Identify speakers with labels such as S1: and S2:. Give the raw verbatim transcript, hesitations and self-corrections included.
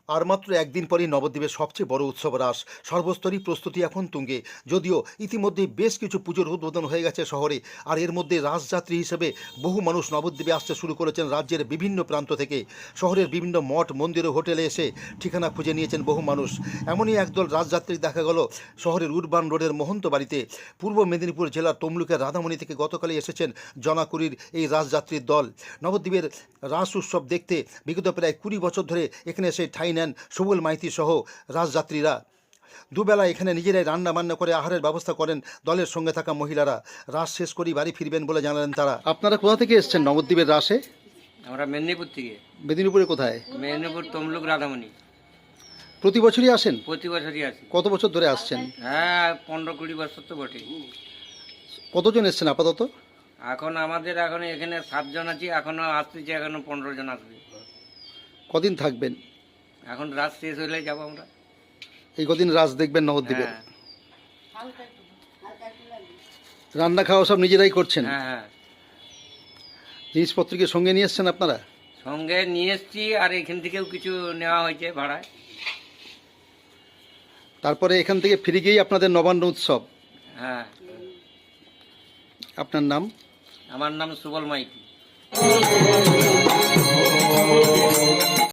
S1: আর মাত্র একদিন পরেই নবদ্বীপের সবচেয়ে বড় উৎসব রাস। সর্বস্তরই প্রস্তুতি এখন তুঙ্গে। যদিও ইতিমধ্যে বেশ কিছু পুজোর উদ্বোধন হয়ে গেছে শহরে, আর এর মধ্যে রাসযাত্রী হিসেবে বহু মানুষ নবদ্বীপে আসতে শুরু করেছেন রাজ্যের বিভিন্ন প্রান্ত থেকে। শহরের বিভিন্ন মঠ, মন্দির ও হোটেলে এসে ঠিকানা খুঁজে নিয়েছেন বহু মানুষ। এমনই একদল রাসযাত্রী দেখা গেল শহরের উরবান রোডের মহন্ত বাড়িতে। পূর্ব মেদিনীপুর জেলার তমলুকের রাধামণি থেকে গতকালই এসেছেন জনাকুড়ির এই রাসযাত্রীর দল। নবদ্বীপের রাস উৎসব দেখতে বিগত প্রায় কুড়ি বছর ধরে এখানে এসে ঠাঁই নেন সুবল মাইতি সহ রাসযাত্রীরা। দুবেলা এখানে নিজেরাই রান্না বান্না করে আহারের ব্যবস্থা করেন দলের সঙ্গে থাকা মহিলারা। রাস শেষ করেই বাড়ি ফিরবেন বলে জানালেন তারা। আপনারা কোথা থেকে এসেছেন নবদ্বীপের রাসে?
S2: আমরা মেদিনীপুর থেকে।
S1: মেদিনীপুরে কোথায়?
S2: মেদিনীপুর তমলুক রাধামণি।
S1: প্রতি বছরই আসেন?
S2: প্রতি বছরই আসি।
S1: কত বছর ধরে আসছেন?
S2: হ্যাঁ, পনেরো কুড়ি বছর তো বটে।
S1: কতজন এসেছেন আপাতত?
S2: এখন আমাদের এখন এখানে সাতজন আছি, এখনো আসতেছে, এখনো পনেরো জন আসবে।
S1: কদিন থাকবেন?
S2: এখন রাত শেষ হলে যাবো আমরা।
S1: এই কদিন রাস দেখবেন নবদ্বীপের?
S2: হ্যাঁ
S1: রান্না খাওয়া সব নিজেরাই করছেন?
S2: হ্যাঁ হ্যাঁ।
S1: জিনিসপত্রকে সঙ্গে নিয়ে এসছেন আপনারা?
S2: সঙ্গে নিয়ে এসছি, আর এখান থেকেও কিছু নেওয়া হয়েছে ভাড়ায়।
S1: তারপরে এখান থেকে ফিরে গিয়েই আপনাদের নবান্ন উৎসব।
S2: হ্যাঁ।
S1: আপনার নাম?
S2: আমার নাম সুবল মাইতি।